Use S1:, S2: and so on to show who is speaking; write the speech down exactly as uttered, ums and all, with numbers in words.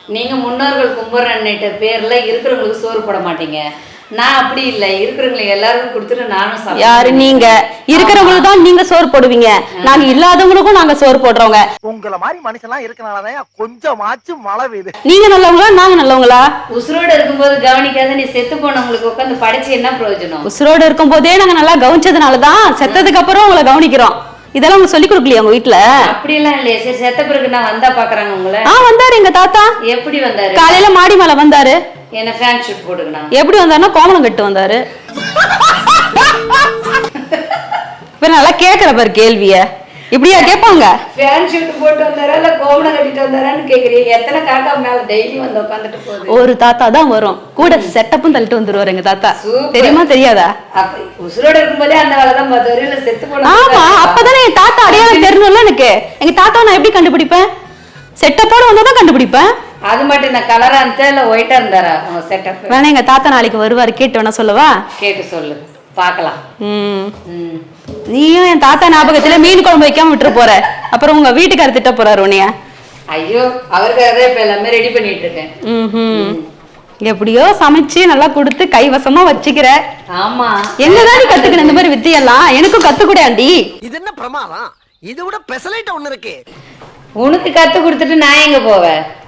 S1: நீங்க முன்னோர்கள் கும்பிட்றன்னுட்ட பேர்ல இருக்கிறவங்களுக்கு சோறு போட மாட்டீங்க. நான் அப்படி இல்ல, இருக்கிறவங்களுக்கு எல்லாருக்கும் கொடுத்துட்டு நானும் சாப்பிடுவேன்.
S2: யாரு நீங்க? இருக்கிறவங்களுக்கு தான் நீங்க சோறு போடுவீங்க, நாங்க இல்லாதவங்களுக்கும் நாங்க சோறு போடுறோங்க.
S3: உங்கள மாதிரி மனுஷன்லாம் இருக்கனாலதான் கொஞ்சமாச்சும் மழை பெய்யுது.
S2: நீங்க நல்லவங்களா நாங்க நல்லவங்களா?
S1: உசுரோட இருக்கும்போது கவனிக்காத நீ செத்து போனவங்களுக்கு உட்காந்து படிச்சு என்ன பிரயோஜனம்?
S2: உசுரோட இருக்கும் போதே நாங்க நல்லா கவனிச்சதுனாலதான் செத்ததுக்கு அப்புறம் உங்களை கவனிக்கிறோம். இதெல்லாம் உங்களுக்கு சொல்லி கொடுக்கலையா உங்க வீட்டுல?
S1: அப்படி எல்லாம் இல்லையே. சரி, செத்த பிறகு நான் வந்தா பாக்குறாங்க உங்களை?
S2: ஆ வந்தாரு எங்க தாத்தா.
S1: எப்படி வந்தாரு?
S2: காலையில மாடி மேல வந்தாரு.
S1: என்ன ஃபேன் ஷூட் போட்டுக்கணும்?
S2: எப்படி வந்தாருன்னா கோமணம் கட்டு வந்தாரு. இப்ப நல்லா கேக்குற பாரு கேள்விய. இப்படியா கேட்பாங்க?
S1: ஃபேன் ஷூட் போட்டு வந்தாரா இல்ல கோமணம் கட்டிட்டு வந்தாரான்னு கேக்குறீங்க. எத்தனை காக்கா மேல டெய்லி வந்து உட்காந்துட்டு போகுது?
S2: ஒரு தாத்தா தான் வரும், கூட செட்டப்பும் தள்ளிட்டு வந்துருவாரு எங்க தாத்தா. தெரியுமா தெரியாதா?
S1: அப்ப உசுரோட இருக்கும்போதே அந்த வேலை தான் பார்த்தாரு. இல்ல செத்து போன?
S2: ஆமா, அப்பதானே என் தாத்தா அடையாளம் தெரியணும்ல எனக்கு. எங்க தாத்தா நான் எப்படி கண்டுபிடிப்பேன்? செட்டப்போட வந்தாதான் கண்டுபிடிப்பேன்.
S1: அது மட்டும் நான் கலரா இருந்தா இல்ல ஒயிட்டா இருந்தாரா உங்க செட்டப்?
S2: வேணா எங்க தாத்தா நாளைக்கு வருவாரு, கேட்டு வேணா சொல்லவா?
S1: கேட்டு சொல்லு பாக்கலாம்.
S2: ம், நீயும் என் தாத்தா ஞாபகத்துல மீன் குழம்பு வைக்காம விட்டுற போற, அப்புறம் உங்க வீட்டுக்கார திட்ட போறாரு உன்னைய.
S1: ஐயோ, அவருக்காக இப்ப எல்லாமே ரெடி பண்ணிட்டு இருக்கேன்.
S2: ம், எப்படியோ சமைச்சு நல்லா கொடுத்து கைவசமா வச்சுக்கிற.
S1: ஆமா,
S2: எங்கதான் நீ கத்துக்கணும் இந்த மாதிரி வித்தியெல்லாம்? எனக்கும் கத்துக்கூட ஆண்டி.
S3: இது என்ன பிரமாதம்? இதை விட பெசலைட் ஒண்ணு இருக்கு.
S1: உனக்கு கத்து கொடுத்துட்டு நான் எங்க போவேன்?